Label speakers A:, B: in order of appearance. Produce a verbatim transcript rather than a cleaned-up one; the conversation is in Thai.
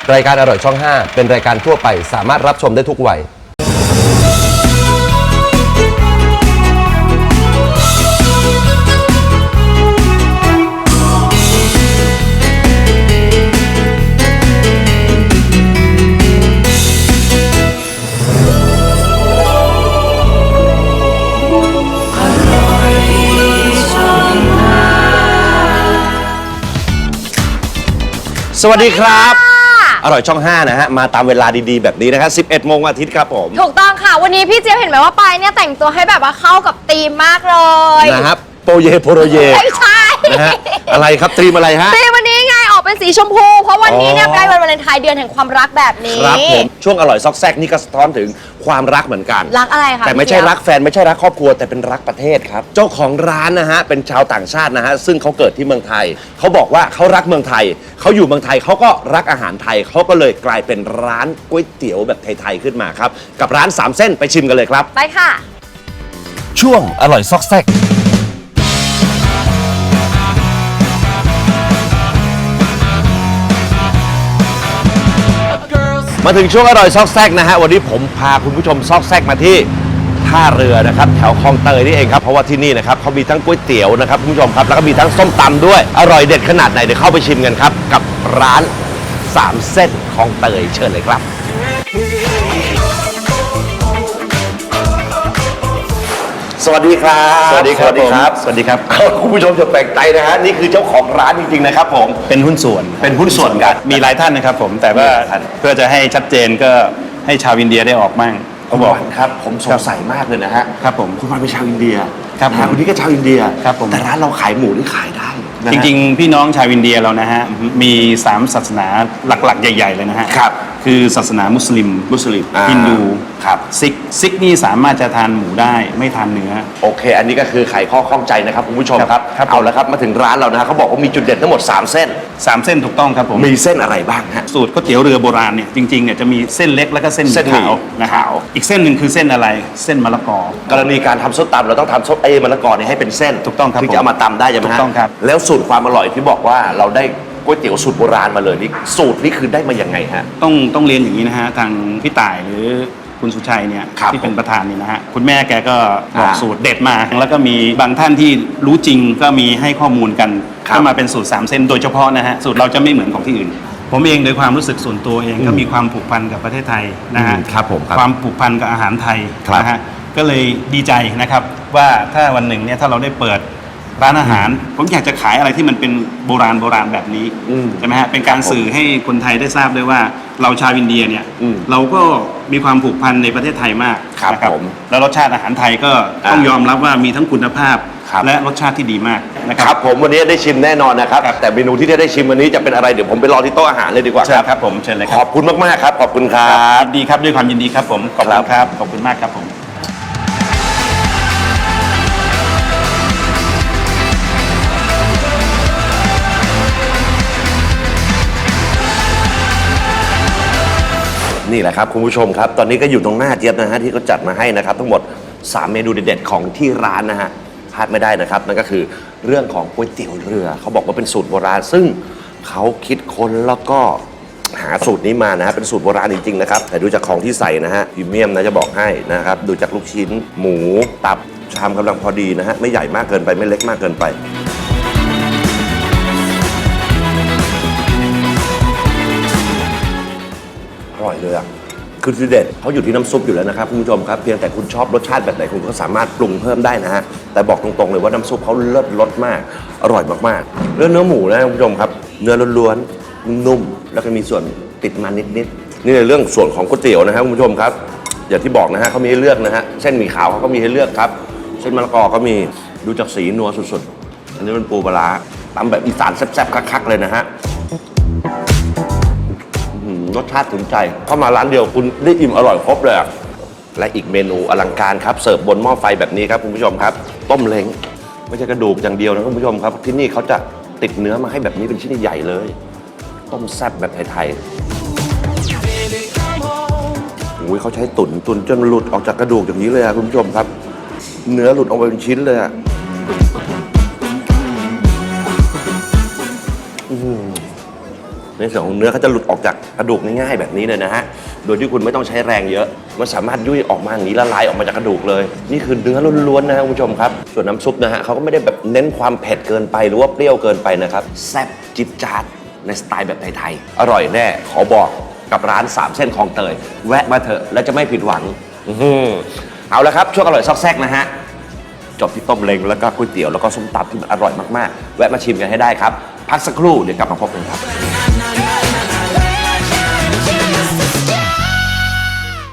A: รายการอร่อยช่องห้าเป็นรายการทั่วไปสามารถรับชมได้ทุกวัยสวัสดีครับอร่อยช่องห้านะฮะมาตามเวลาดีๆแบบนี้นะครับสิบเอ็ดโมงวันอาทิตย์ครับผม
B: ถูกต้องค่ะวันนี้พี่เจี๊ยบเห็นไหมว่าปายเนี่ยแต่งตัวให้แบบว่าเข้ากับธีมมากเลย
A: นะครับโปรเยโปรเย
B: ไม่ใช่
A: นะฮะอะไรครับธีมอะไรฮะ
B: ธีมวันนี้ไงออกเป็นสีชมพูเพราะวันนี้เนี่ยใกล้วันวาเลนไทน์เดือนแห่งความรักแบบนี้
A: ครับผมช่วงอร่อยซอกแซกนี่ก็สะท้อนถึงความรักเหมือนกัน
B: รักอะไรคะ
A: แต่ไม่ใช่รักแฟนไม่ใช่รักครอบครัวแต่เป็นรักประเทศครับเจ้าของร้านนะฮะเป็นชาวต่างชาตินะฮะซึ่งเขาเกิดที่เมืองไทยเขาบอกว่าเขารักเมืองไทยเขาอยู่เมืองไทยเขาก็รักอาหารไทยเขาก็เลยกลายเป็นร้านก๋วยเตี๋ยวแบบไทยๆขึ้นมาครับกับร้านสามเส้นไปชิมกันเลยครับ
B: ไปค่ะ
A: ช่วงอร่อยซอกแซกมาถึงช่วงอร่อยซอกแซกนะฮะวันนี้ผมพาคุณผู้ชมซอกแซกมาที่ท่าเรือนะครับแถวคลองเตยนี่เองครับเพราะว่าที่นี่นะครับเขามีทั้งก๋วยเตี๋ยวนะครับคุณผู้ชมครับแล้วก็มีทั้งส้มตำด้วยอร่อยเด็ดขนาดไหนเดี๋ยวเข้าไปชิมกันครับกับร้านสามเส้นคลองเตยเชิญเลยครับสวัสดีครับ
C: สวัสดีครับสวัสดีครับสวัสดีครับ
A: คุณผู้ชมจะแปลกใจนะฮะนี่คือเจ้าของร้านจริงๆนะครับผม
C: เป็นหุ้นส่วน
A: เป็นหุ้นส่วนกัน
C: มีหลายท่านนะครับผมแต่ว่าเพื่อจะให้ชัดเจนก็ให้ชาวอินเดียได้ออกมั่ง
A: เขาบอกครับผมสงสัยมากเลยนะฮะ
C: ครับผม
A: คุณวันเป็นชาวอินเดีย
C: ครับ
A: คนนี้ก็ชาวอินเดีย
C: ครับผม
A: แต่ร้านเราขายหมูที่ขายได้
C: จริงๆพี่น้องชาวอินเดียเรานะฮะมีสามศาสนาหลักๆใหญ่ๆเลยนะฮะ
A: ครับ
C: คือศาสนามุสลิม
A: มุสลิม
C: ฮินดู
A: ครับ
C: ซิกซิกนี่สามารถจะทานหมูได้ไม่ทานเนื้อ
A: โอเคอันนี้ก็คือไขข้อข้องใจนะครับคุณผู้ชมครับเอาละครับมาถึงร้านเรานะเขาบอกว่ามีจุดเด่นทั้งหมดสามเส้น
C: สามเส้นถูกต้องครับผม
A: มีเส้นอะไรบ้างฮะ
C: สูตรก๋วยเตี๋ยวเรือโบราณเนี่ยจริงๆเนี่ยจะมีเส้นเล็กแล้วก็เส้นขาวนะขาวอีกเส้นหนึ่งคือเส้นอะไรเส้นมะละกอก
A: รณีการทำส้มตำเราต้องทำส้มเอมะละกอเนี่ยให้เป็นเส้น
C: ถูกต้องครับ
A: ถึงจะเอามาตำได้ใช่ไหมฮะ
C: ถูกต้องครับ
A: แล้วสูตรความอร่อยที่บอกว่าเราได้ก๋วยเตี๋ยวสูตรโบราณมาเลยนี่สูตรนี่คือได้มาอย่างไงฮะ
C: ต้องต้องเรียนอย่างนี้นะฮะทางพี่ต่ายหรือคุณสุชัยเนี่ยที่เป็นประธานเนี่ยนะฮะคุณแม่แกก็บอกสูตรเด็ดมาแล้วก็มีบางท่านที่รู้จริงก็มีให้ข้อมูลกันก็มาเป็นสูตรสามเส้นโดยเฉพาะนะฮะสูตรเราจะไม่เหมือนของที่อื่นผมเองโดยความรู้สึกส่วนตัวเองก็มีความผูกพันกับประเทศไทยนะฮะ
A: ครับผม
C: ความผูกพันกับอาหารไทยนะฮะก็เลยดีใจนะครับว่าถ้าวันหนึ่งเนี่ยถ้าเราได้เปิดร้านอาหารผมอยากจะขายอะไรที่มันเป็นโบราณโบราณแบบนี้ใช่ไหมฮะเป็นการสื่อให้คนไทยได้ทราบด้วยว่าเราชาวอินเดียเนี่ยเราก็มีความผูกพันในประเทศไทยมาก
A: นะครับ
C: แล้วรสชาติอาหารไทยก็ต้องยอมรับว่ามีทั้งคุณภาพและรสชาติที่ดีมากนะครับ
A: ครับผมวันนี้ได้ชิมแน่นอนนะครับแต่เมนูที่ได้ชิมวันนี้จะเป็นอะไรเดี๋ยวผมไปรอที่โต๊ะอาหารเลยดีกว่า
C: ครับครับผมเชิญเลย
A: ขอบคุณมากๆครับขอบคุณครับ
C: ดีครับด้วยความยินดีครับผมขอบคุณครับขอบคุณมากครับผม
A: นี่แหละครับคุณผู้ชมครับตอนนี้ก็อยู่ตรงหน้าเจี๊ยบนะฮะที่เขาจัดมาให้นะครับทั้งหมดสามเมนูเด็ดๆของที่ร้านนะฮะพลาดไม่ได้นะครับนั่นก็คือเรื่องของก๋วยเตี๋ยวเรือเขาบอกว่าเป็นสูตรโบราณซึ่งเขาคิดค้นแล้วก็หาสูตรนี้มานะฮะเป็นสูตรโบราณจริงๆนะครับแต่ดูจากของที่ใส่นะฮะพรีเมียมนะจะบอกให้นะครับดูจากลูกชิ้นหมูตับชามกำลังพอดีนะฮะไม่ใหญ่มากเกินไปไม่เล็กมากเกินไปอร่อยเลยอ่ะคือทีเด็ดเขาอยู่ที่น้ำซุปอยู่แล้วนะครับคุณผู้ชมครับเพียงแต่คุณชอบรสชาติแบบไหนคุณก็สามารถปรุงเพิ่มได้นะฮะแต่บอกตรงๆเลยว่าน้ำซุปเขาเลิศรสมากอร่อยมากๆเรื่องเนื้อหมูนะคุณผู้ชมครับเนื้อล้วนๆนุ่มแล้วก็มีส่วนติดมันนิดๆนี่ในเรื่องส่วนของก๋วยเตี๋ยวนะครับคุณผู้ชมครับอย่างที่บอกนะฮะเขามีให้เลือกนะฮะเส้นหมี่ขาวเขาก็มีให้เลือกครับเส้นมะละกอก็มีดูจากสีนัวสุดๆอันนี้เป็นปูปลาตำแบบอีสานแซ่บๆคักๆเลยนะฮะรสชาติถึงใจเข้ามาร้านเดียวคุณได้อิ่มอร่อยครบเลยและอีกเมนูอลังการครับเสิร์ฟบนหม้อไฟแบบนี้ครับคุณผู้ชมครับต้มเล้งไม่ใช่กระดูกอย่างเดียวนะคุณผู้ชมครับที่นี่เขาจะติดเนื้อมาให้แบบนี้เป็นชิ้นใหญ่เลยต้มแซ่บแบบไทยๆโอ้ยเขาใช้ตุ๋นตุ๋นจนหลุดออกจากกระดูกอย่างนี้เลยครับคุณผู้ชมครับเนื้อหลุดออกมาเป็นชิ้นเลยอะในส่วนของเนื้อเขาจะหลุดออกจากกระดูกง่ายๆแบบนี้เลยนะฮะโดยที่คุณไม่ต้องใช้แรงเยอะมันสามารถยุ่ยออกมาอย่างนี้ละลายออกมาจากกระดูกเลยนี่คือเนื้อล้วนๆนะคุณผู้ชมครับส่วนน้ำซุปนะฮะเขาก็ไม่ได้แบบเน้นความเผ็ดเกินไปหรือว่าเปรี้ยวเกินไปนะครับแซ่บจิ๊ดจ๊าดในสไตล์แบบไทยๆอร่อยแน่ขอบอกกับร้านสามเส้นคลองเตยแวะมาเถอะแล้วจะไม่ผิดหวังอื้อหือเอาละครับช่วงอร่อยซอกแซกนะฮะจบที่ต้มเล้งแล้วก็ก๋วยเตี๋ยวแล้วก็ส้มตำที่มันอร่อยมากๆแวะมาชิมกันให้ได้ครับพักสักครู่เดี๋ยวกลับมาพบกันครับ